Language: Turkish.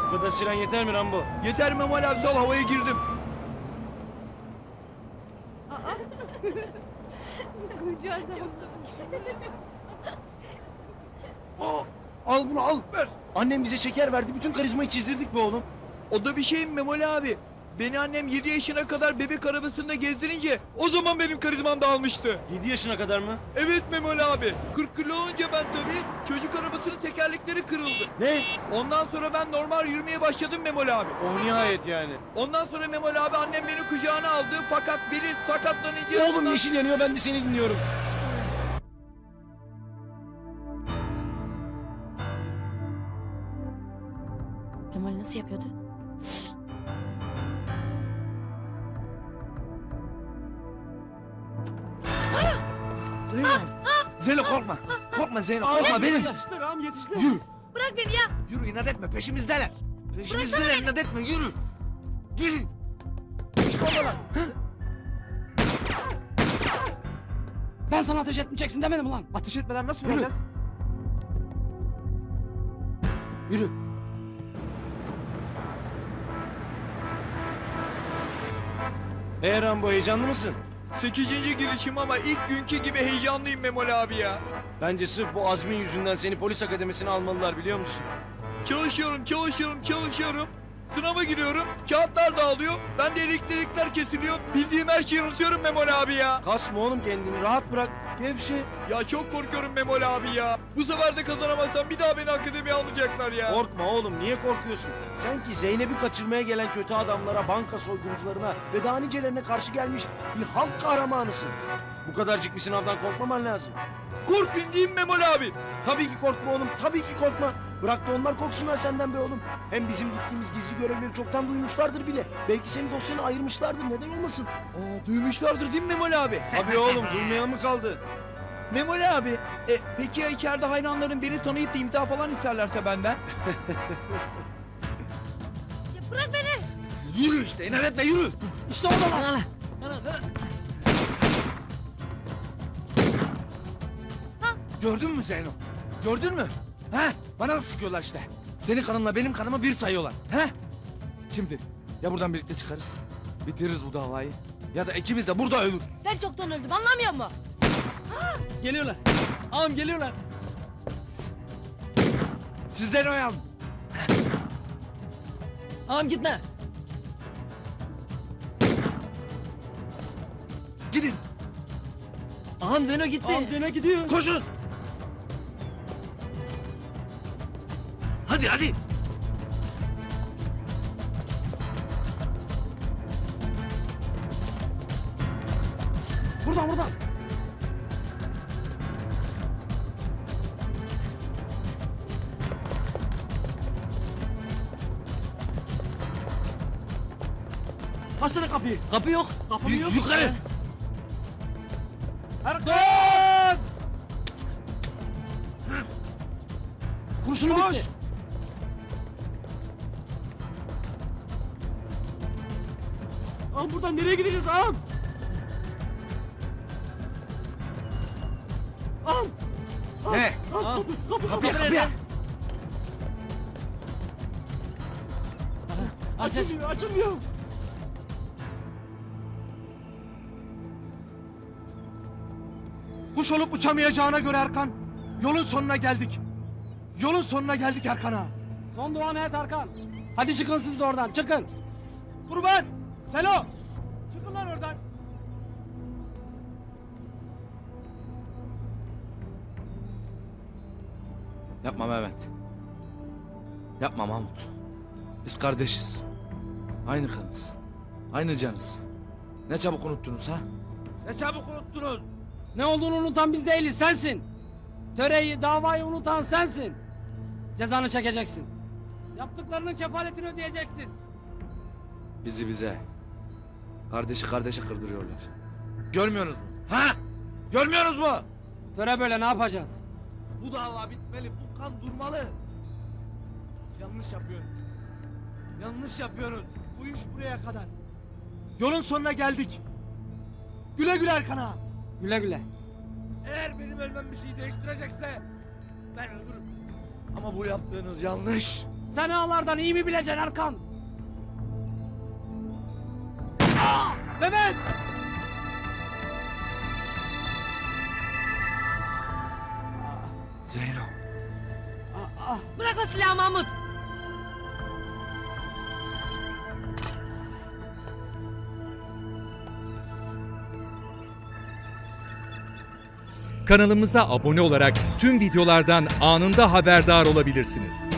Bu kadar siren yeter mi Rambo? Yeter Memoli abi, sal, havaya girdim. Al bunu al. Ver. Annem bize şeker verdi. Bütün karizmayı çizdirdik be oğlum. O da bir şey mi Memoli abi? Beni annem 7 yaşına kadar bebek arabasında gezdirince o zaman benim karizmam dağılmıştı. 7 yaşına kadar mı? Evet Memoli abi. 40 kilo olunca ben tabii çocuk arabasının tekerlekleri kırıldı. Ne? Ondan sonra ben normal yürümeye başladım Memoli abi. Oh nihayet yani. Ondan sonra Memoli abi annem beni kucağına aldı fakat biri sakatlanınca... Oğlum yeşil yanıyor, ben de seni dinliyorum. Memoli nasıl yapıyordu? Zeyno. Zeyno korkma. Korkma Zeyno, korkma benim. Yetiştiler ağam, yetiştiler. Yürü. Bırak beni ya. Yürü, inat etme, peşimizdeler. Peşimizdeler, inat etme, yürü. Yürü. İşte oradalar. Ben sana ateş etmeyeceksin demedim mi lan? Ateş etmeden nasıl Yürü. vuracağız? Yürü. Rambo, heyecanlı mısın? 8. girişim ama ilk günkü gibi heyecanlıyım Memoli abi ya. Bence sırf bu azmin yüzünden seni polis akademisine almalılar, biliyor musun? Çalışıyorum. Sınava giriyorum, kağıtlar dağılıyor, ben de elektrikler kesiliyor. Bildiğim her şeyi unutuyorum Memoli abi ya. Kasma oğlum kendini, rahat bırak. Gevşe. Ya çok korkuyorum Memoli abi ya. Bu sefer de kazanamazsam bir daha beni akademiye almayacaklar ya. Korkma oğlum, niye korkuyorsun? Sen ki Zeynep'i kaçırmaya gelen kötü adamlara, banka soyguncularına ve daha nicelerine karşı gelmiş bir halk kahramanısın. Bu kadarcık bir sınavdan korkmaman lazım. Korkmayın değil mi Memoli abi? Tabii ki korkma oğlum, tabii ki korkma. Bırak da onlar korksunlar senden be oğlum. Hem bizim gittiğimiz gizli görevleri çoktan duymuşlardır bile. Belki senin dosyanı ayırmışlardır, neden olmasın? Duymuşlardır değil mi Memoli abi? Tabii oğlum, duymayan mı kaldı? Memoli abi, peki ya içeride hayranların beni tanıyıp da imza falan isterlerse benden? Ya bırak beni. Yürü işte, inat etme, yürü. İşte oradalar. Gördün mü Zeyno? Gördün mü? He? Bana da sıkıyorlar işte. Senin kanınla benim kanımı bir sayıyorlar. He? Şimdi ya buradan birlikte çıkarız, bitiririz bu davayı, ya da ikimiz de burada ölürüz. Ben çoktan öldüm, anlamıyor musun? Geliyorlar. Ağam geliyorlar. Siz Zeyno'yu alın. Ağam gitme. Gidin, Ağam Zeyno gitti. Ağam Zeyno gidiyor. koşun. Hadi hadi. Buradan. Açsana kapıyı. Kapı yok. Kapı yok. Yukarı. Erkan! Kurşunu Koş. bitti. Ağam buradan nereye gideceğiz ağam? Ağam. Ne? Ağam. Kapıya, nerede? kapıya. Aç. Açılmıyor. Kuş olup uçamayacağına göre Erkan, yolun sonuna geldik. Yolun sonuna geldik Erkan ağa. Son duanı et Erkan. Hadi çıkın siz de oradan, çıkın. Kurban! Selo! Çıkın lan oradan! Yapma Mehmet. Yapma Mahmut. Biz kardeşiz. Aynı kanız. Aynı canız. Ne çabuk unuttunuz ha? Ne çabuk unuttunuz? Ne olduğunu unutan biz değiliz, sensin. Töreyi, davayı unutan sensin. Cezanı çekeceksin. Yaptıklarının kefaletini ödeyeceksin. Bizi bize. Kardeşi kardeşe kırdırıyorlar. Görmüyorsunuz mu? Ha? Görmüyorsunuz mu? Töre böyle, ne yapacağız? Bu dava bitmeli, bu kan durmalı. Yanlış yapıyoruz. Yanlış yapıyoruz. Bu iş buraya kadar. Yolun sonuna geldik. Güle güle Erkan ağa. Güle güle. Eğer benim ölmem bir şey değiştirecekse ben ölürüm. Ama bu yaptığınız yanlış. Sen ağlardan iyi mi bileceksin Erkan? Mehmet! Zeyno. Bırak o silahı Mahmut. Kanalımıza abone olarak tüm videolardan anında haberdar olabilirsiniz.